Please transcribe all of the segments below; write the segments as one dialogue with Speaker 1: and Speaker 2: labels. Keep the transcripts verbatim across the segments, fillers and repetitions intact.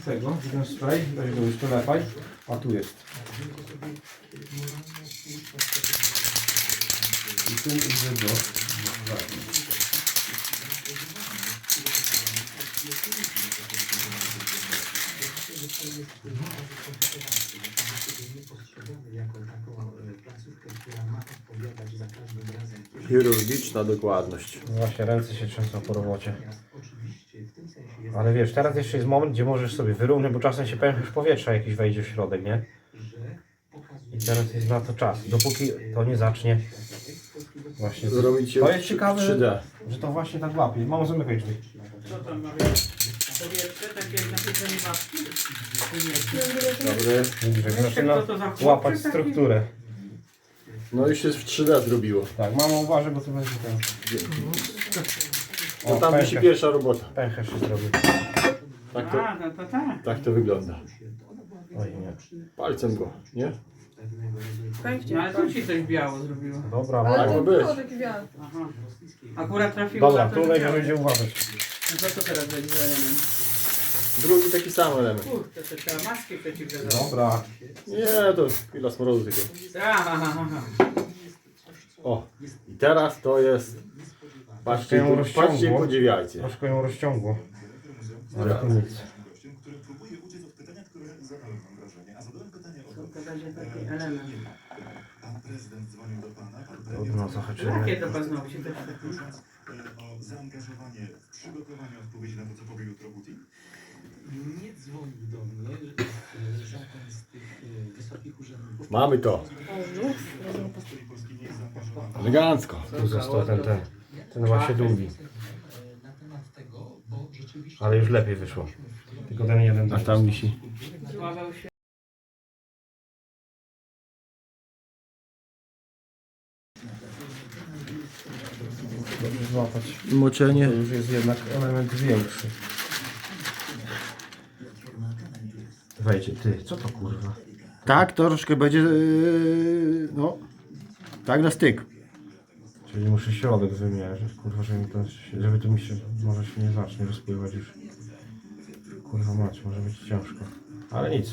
Speaker 1: tego, ten spray, weź go już dolepaj, a tu jest. I ten idzie do...
Speaker 2: Chirurgiczna dokładność.
Speaker 1: Właśnie ręce się trzęsą po robocie. Ale wiesz, teraz jeszcze jest moment, gdzie możesz sobie wyrównać, bo czasem się pęcherz powietrza jakiś wejdzie w środek, nie? I teraz jest na to czas. Dopóki to nie zacznie właśnie
Speaker 2: Zrobić
Speaker 1: to jest ciekawe,
Speaker 2: trzy D.
Speaker 1: że to właśnie tak łapie. Mamo, zamykaj drzwi.
Speaker 3: Co tam ma być? Powietrze, takie jak na pieczenie babci?
Speaker 2: Dobry.
Speaker 1: Widzisz, jak
Speaker 3: Jeszcze
Speaker 1: zaczyna
Speaker 3: kto to za chłopczyk
Speaker 1: łapać
Speaker 3: taki?
Speaker 1: strukturę.
Speaker 2: No już się w trzy D zrobiło.
Speaker 1: Tak, mamo, uważaj, bo to będzie ten...
Speaker 2: No tam wisi
Speaker 1: pęcherz,
Speaker 2: pierwsza robota.
Speaker 1: pęcherz się zrobił.
Speaker 2: Tak to,
Speaker 3: A, no to tak.
Speaker 2: tak to wygląda.
Speaker 1: Oj, nie.
Speaker 2: Palcem go, nie?
Speaker 3: No ale tu ci coś biało zrobiło.
Speaker 1: Dobra,
Speaker 2: Tak
Speaker 1: mamo.
Speaker 2: ma
Speaker 4: Ale to
Speaker 2: być.
Speaker 4: było taki wiatr.
Speaker 3: Aha. Akurat trafiło
Speaker 1: Dobra,
Speaker 3: na to,
Speaker 1: tu
Speaker 3: że
Speaker 1: będzie
Speaker 3: białe.
Speaker 1: będzie uważać.
Speaker 3: No to co teraz będzie za element?
Speaker 2: Drugi taki sam element.
Speaker 3: Kurde, to trzeba maski przeciwgazowe.
Speaker 1: Dobra.
Speaker 2: Nie, to chwila smrodu tylko.
Speaker 3: Aha, aha.
Speaker 2: O, i teraz to jest... Patrzcie,
Speaker 1: ją
Speaker 2: i po-
Speaker 1: rozciągło.
Speaker 2: patrzcie i podziwiajcie.
Speaker 1: Troszkę ją rozciągło. Ale to nic.
Speaker 3: To będzie taki element.
Speaker 1: Trudno, zahaczymy.
Speaker 3: Jakie to paznokcie też takie?
Speaker 5: O zaangażowanie w przygotowanie odpowiedzi na to, co powie jutro Putin?
Speaker 6: Nie dzwonił do mnie e, żaden z tych e, wysokich urzędników.
Speaker 2: Mamy to. Elegancko.
Speaker 1: Tu został ten, ten. Ten właśnie długi.
Speaker 6: E, Na temat tego, bo rzeczywiście...
Speaker 1: Ale już lepiej wyszło. Tylko ten jeden
Speaker 2: A tam wisi.
Speaker 3: Złamał się.
Speaker 1: Dobrze złapać.
Speaker 2: Moczenie.
Speaker 1: To już jest jednak element większy. Wejdzie, ty, co to kurwa?
Speaker 2: Tak, to troszkę będzie... Yy, no... Tak na styk.
Speaker 1: Czyli muszę środek wymierzyć, kurwa, żeby, mi to, żeby to mi się, może się nie zacznie rozpływać już. Kurwa mać, może być ciężko. Ale nic.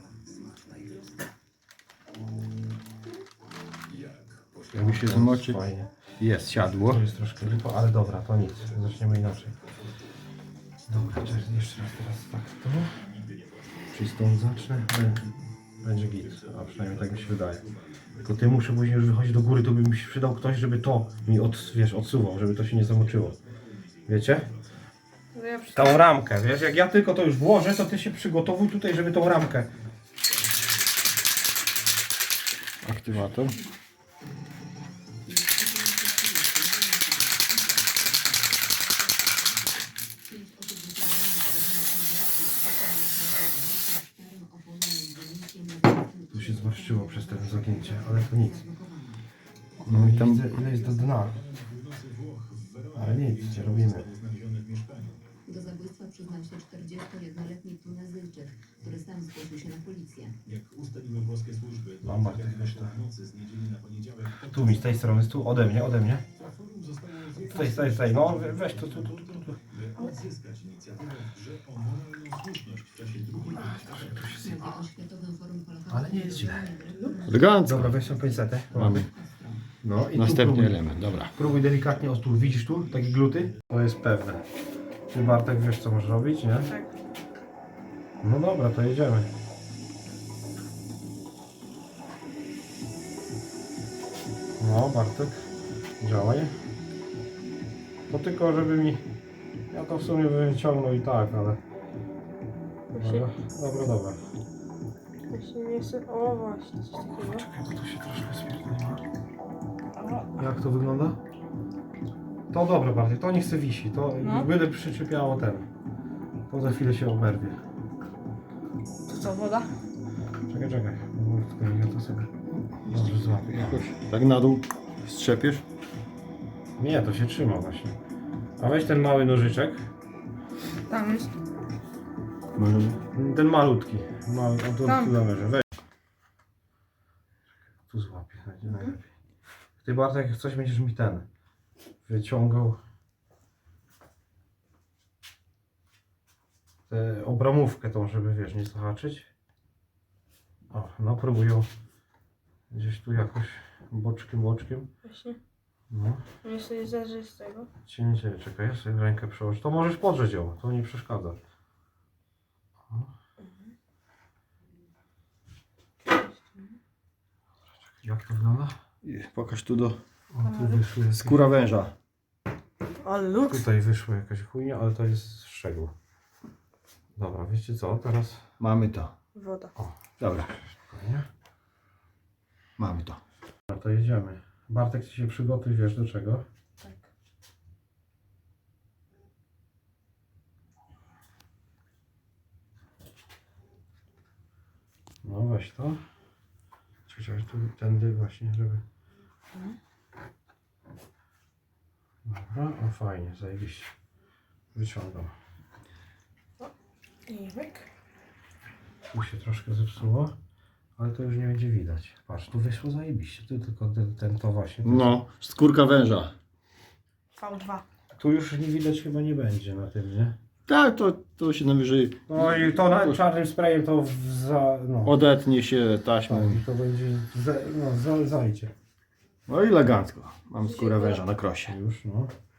Speaker 2: Jakby się zmoczyć.
Speaker 1: Fajnie.
Speaker 2: Jest, siadło.
Speaker 1: To jest troszkę lipo, ale dobra, to nic. Zaczniemy inaczej. Dobra, to jest jeszcze raz teraz tak to. Czyli stąd zacznę. Będzie, będzie git, a przynajmniej tak mi się wydaje. Tylko ty muszę później już wychodzić do góry, to by mi się przydał ktoś, żeby to mi od, wiesz, odsuwał, żeby to się nie zamoczyło. Wiecie?
Speaker 4: No ja przy...
Speaker 1: Tą ramkę, wiesz, jak ja tylko to już włożę, to ty się przygotowuj tutaj, żeby tą ramkę.
Speaker 2: Aktywator.
Speaker 1: Tu się zmarszczyło przez to zagięcie, ale to nic.
Speaker 2: No i tam...
Speaker 1: Widzę, ile jest do dna. Ale nic, nie robimy.
Speaker 7: Do zabójstwa przyznał się czterdziestojednoletni Tunezyjczyk, który sam zgłosił się na policję.
Speaker 5: Jak ustaliły włoskie służby, do
Speaker 1: Lombard, weź to.
Speaker 5: nocy z niedzieli na poniedziałek
Speaker 1: Tu mi z tej strony, tu ode mnie, ode mnie.
Speaker 5: forum zostało
Speaker 1: Tutaj, tutaj, tutaj, no we- weź to, tu, tu, tu, tu.
Speaker 5: by odzyskać inicjatywę w grze o moralną słuszność w czasie drugiej
Speaker 7: Na Światowym Forum Holokaustu
Speaker 1: Ale nie jest źle.
Speaker 2: Elegancko.
Speaker 1: Dobra, weź tą pinsetę.
Speaker 2: Mamy.
Speaker 1: No i tu
Speaker 2: Następny
Speaker 1: próbuj,
Speaker 2: element, dobra.
Speaker 1: próbuj delikatnie, o tu, widzisz tu, takie gluty? To jest pewne. Ty Bartek wiesz co możesz robić, nie?
Speaker 4: Tak.
Speaker 1: No dobra, to jedziemy. No Bartek, działaj. To tylko żeby mi... Ja to w sumie bym wyciągnął i tak, ale... Dobra, dobra, dobra.
Speaker 4: Właśnie nie chcę... O właśnie, coś takiego.
Speaker 1: Czekaj, bo to się troszkę spierdoliło. Jak to wygląda? To dobre bardziej, to nie chce wisi, to
Speaker 4: No.
Speaker 1: byle przyczepiało ten. To za chwilę się oberwie.
Speaker 4: To co, woda?
Speaker 1: Czekaj, czekaj, powolutku, ja to sobie dobrze złapię.
Speaker 2: Jakoś tak na dół strzepiesz.
Speaker 1: Nie, to się trzyma właśnie. A weź ten mały nożyczek,
Speaker 4: Tam jest.
Speaker 1: ten malutki, mały, on tu
Speaker 4: Tam.
Speaker 1: tu zamierzę, weź. Tu złapię, będzie najlepiej. Ty Bartek, jak coś będziesz mi ten wyciągał. tę obramówkę tą, żeby wiesz, nie zahaczyć. O, no próbuję gdzieś tu jakoś boczkiem, boczkiem.
Speaker 4: Właśnie.
Speaker 1: No,
Speaker 4: Mnie sobie zależy z tego.
Speaker 1: cięcie, czekaj, ja sobie rękę przełożę. To możesz podrzeć ją, to nie przeszkadza. O. Jak to wygląda?
Speaker 2: I pokaż tu do
Speaker 1: O, tu wyszły jakieś,
Speaker 2: skóra węża.
Speaker 4: Ale luks.
Speaker 1: tutaj wyszła jakaś chujnia, ale to jest szczegół. Dobra, wiecie co, teraz...
Speaker 2: Mamy to.
Speaker 4: Woda.
Speaker 2: Dobra,
Speaker 1: Spokojnie.
Speaker 2: mamy to.
Speaker 1: No to jedziemy. Bartek, ty się przygotuj, wiesz do czego?
Speaker 4: Tak.
Speaker 1: No weź to. Chociaż tu tędy właśnie, żeby... Dobra, o fajnie, zajebiście. Wyciągam.
Speaker 4: I myk.
Speaker 1: Tu się troszkę zepsuło, ale to już nie będzie widać. Patrz, tu wyszło zajebiście, tu tylko ten, ten to właśnie. ten-
Speaker 2: No, skórka węża.
Speaker 4: V dwa.
Speaker 1: Tu już nie widać chyba nie będzie na tym, nie?
Speaker 2: Tak, to, to się najwyżej
Speaker 1: No i to na czarnym sprayem to w za... no.
Speaker 2: odetnie się taśmą.
Speaker 1: Tak, i to będzie, za, no za, zajdzie.
Speaker 2: No i elegancko. Mam skórę węża na krosie.
Speaker 1: Już, no.